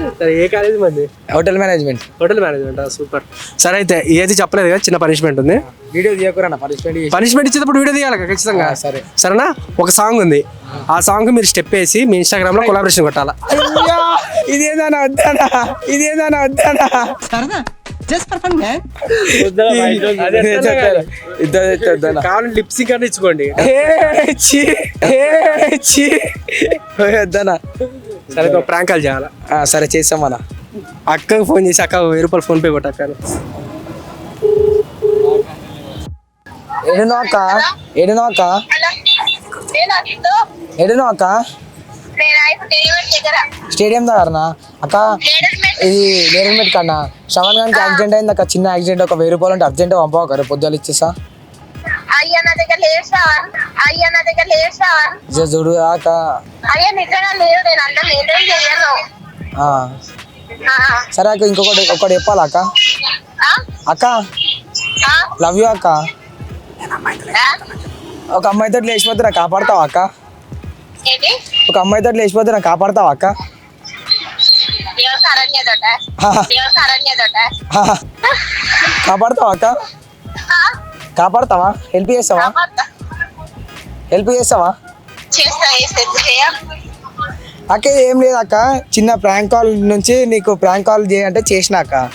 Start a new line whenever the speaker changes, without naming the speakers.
సరే ఏ కాలేజ్ మంది?
Hotel management.
Hotel management. Super. సరే అయితే ఏది చెప్పలేదు కదా, చిన్న పనిష్మెంట్ ఉంది.
వీడియో తీయకురా
పనిష్మెంట్ ఇచ్చేటప్పుడు వీడియో తీయాలి ఖచ్చితంగా.
సరే
సరేనా? ఒక సాంగ్ ఉంది, ఆ సాంగ్ మీరు స్టెప్ వేసి మీ ఇన్స్టాగ్రామ్ లో కొలాబరేషన్ కొట్టాలా.
ఇదేదానా వద్దానా, ఇదేదానా వద్దానా.
కావాలంటే లిప్సింగ్ అని ఇచ్చుకోండి.
వద్దానా.
సరే ప్రాంక్ కాల్ చేయాలా?
సరే చేస్తాం మన
అక్కకు ఫోన్ చేసి అక్క 1000 ఫోన్ పే కొట్టక్క.
ఎడునో అక్క, ఎడునో అక్క, ఎడునో అక్క. స్టేడియం దగ్గరనా అక్క? ఇది నేరమెట్ కన్నా శ్రవణ్ గారికి యాక్సిడెంట్ అయింది అక్క, చిన్న యాక్సిడెంట్. ఒక 1000 రూపాయలు అంటే అర్జెంట్ పంపవు రేపు పొద్దులు ఇచ్చేసా. చూడు అక్క. సరే అక్క, ఒకటి చెప్పాలా అక్క? అక్క లవ్ యూ అక్క. ఒక అమ్మాయితో లేచిపోతే నాకు కాపాడతావా అక్క? ఒక అమ్మాయితో లేచిపోతే నాకు కాపాడతావా అక్క? కాపాడతావా అక్క? కాపాడతావా? హెల్ప్ చేస్తావా? హెల్ప్ చేస్తావా అక్క? ఏం లేదు అక్క, చిన్న ప్రాంక్ కాల్ నుంచి నీకు ప్రాంక్ కాల్ చేయంటే చేసినాక